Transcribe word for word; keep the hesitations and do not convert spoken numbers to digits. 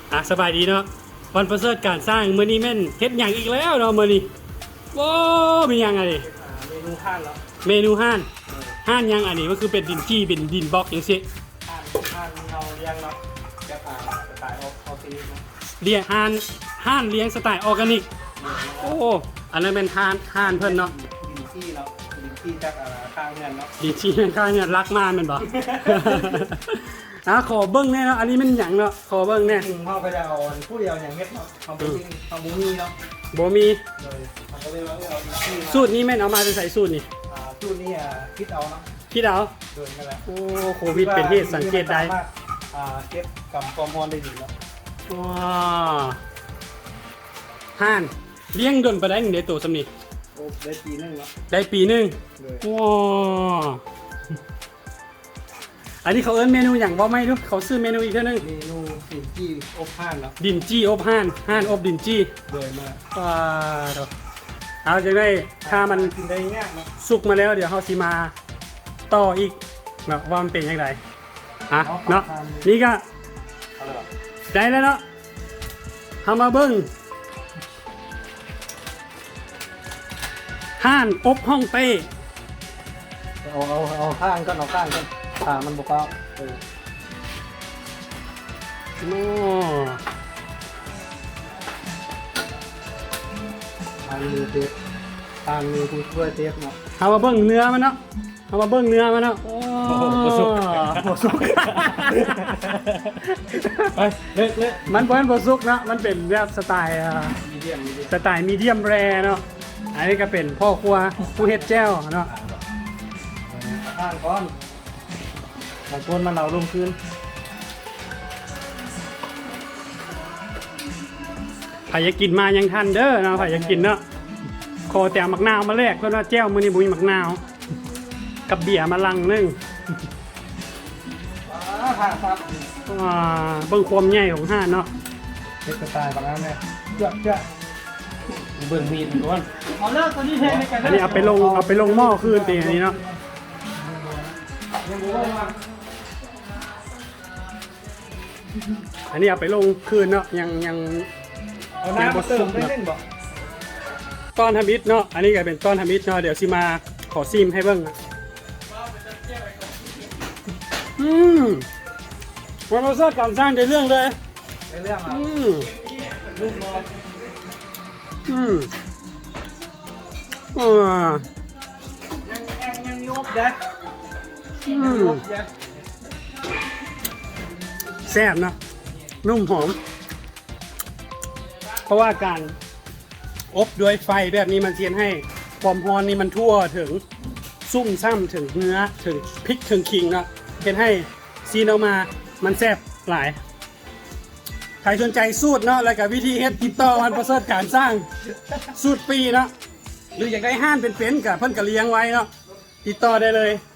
อ่ะสบายดีเนาะวันประเสริฐการสร้างมื้อนี้แม่นเฮ็ดหยังอีกแล้วเนาะมื้อนี้ว้าวมีหยังอะไรเมนูข้านแล้วเมนูห้านห้านหยังอันนี้ก็คือเป็นดินจี้เป็นดินบล็อกจังซี่ข้านข้านเราเลี้ยงเนาะแบบอ่าสไตล์ออออร์แกนิกเนาะเลี้ยงห้านห้านเลี้ยงสไตล์ออร์แกนิกโอ้อันนั้นเป็นห้านห้านเพิ่นเนาะดินที่เนาะดินที่จากอ่าข้างเงินเนาะดินจี้ข้างเนี่ยรักมากแม่นบ่ อ่ะขอเบิ่งแน่เนาะอันนี้มันหยังเนาะขอเบิ่งแน่จริงๆเขาก็จะเอาผู้เดียวอย่างเม็ดเนาะเอาไปจริงเอาบุมีเนาะบ่มีเลยมันก็เลยว่าเอาดินที่สูตรนี้แม่นเอามาจะใส่สูตรนี่อ่าสูตรนี้อ่ะคิดเอาเนาะคิดเอาโดยนั่นแหละโอ้โควิดเป็นเหตุสังเกตได้ว่าอ่าเก็บกับความร้อนได้ดีเนาะว้าห่านเลี้ยงดนไปได้หนึ่งเดือนตัวสำนีโอ้ได้ปีนึงเนาะได้ปีหนึ่งเลยว้าอันนี้เขาเอิ้นเมนูอย่างบ่ไม่รู้เขาซื้อเมนูอีกเท่านึงเมนูดินที่อบข้านเนาะดินจี้อบห่านห่านอบดินจี้เลยมาว้าดอกเอาจะได้ถ้ามันกินได้ง่ายเนาะสุกมาแล้วเดี๋ยวเขาสิมาต่ออีกเนาะว่ามันเป็นยังไงฮะเนาะนี่ก็เอาเลยเหรอได้แล้วเนาะทำมาเบิ้งห่านอบห้องเต้เอาเอาเอาข้างก่อนเอาข้างก่อนขามันบอกว่าเออโอ้ทางมือเทปทางมือผู้ช่วยเทปเนาะเอามาเบิ้งเนื้อมันเนาะเอามาเบิ้งเนื้อมันเนาะโอ้บ่สุกบ่สุกไปเลิกเลิกมันเป็นบสุกเนาะมันเป็นแบบสไตล์อ่ามีเดียมมีเดียมสไตล์มีเดียมแรเนาะอันนี้ก็เป็นพ่อครัวผู้เฮ็ดแจ้วเนาะข้างก้อนบางคนมันเอาลงคืนใครอยากกินมายังทันเด้อเนาะใครอยากกินเนาะขอแต่หมักนาวมาแลกเพื่อนว่าแจ้วมื้อนี้บุญหมักนาว กับเบียร์มาลังนึงข้างครับว้าเบิ่งความใหญ่ของห่านเนาะเทปสไตล์แบบนั้นเลยเจ้าเจ้าเบิ่งมีดก่อนเอาเลิกตัวนี้เทในกันอันนี้เอาไปลงเอาไปลงหม้อคืนตีอันนี้เนาะยังบ่ว่าอันนี้เอาไปลงคืนเนาะยังยังเอาน้ำมาเติมได้เล่นบ่ต้อนทำอิฐเนาะอันนี้ก็เป็นต้อนทำอิฐเนาะเดี๋ยวสิมาขอซิมให้เบิ่งอะอืมวันเราสร้างการสร้างในเรื่องเลยในเรื่องอ่ะอืมลูกนอนอืมอ่ายังยังยังยบเด็ดอืยังมยบเด็ดแซ่บเนาะนุ่มหอม เพราะว่าการอบด้วยไฟแบบนี้มันเทียนให้ความร้อนนี่มันทั่วถึงซุ่มซ้ำถึงเนื้อถึงพริกถึงขิงเนาะเทียนให้ซีนออกมามันแซ่บหลาย ใครสนใจสูตรเนาะแล้วกับวิธีเฮ็ดติดต่อวันประเสริฐการสร้างสูตรปีเนาะหรืออยากได้ห้านเป็นๆกับเพิ่นกะเลี้ยงไว้เนาะติดต่อได้เลย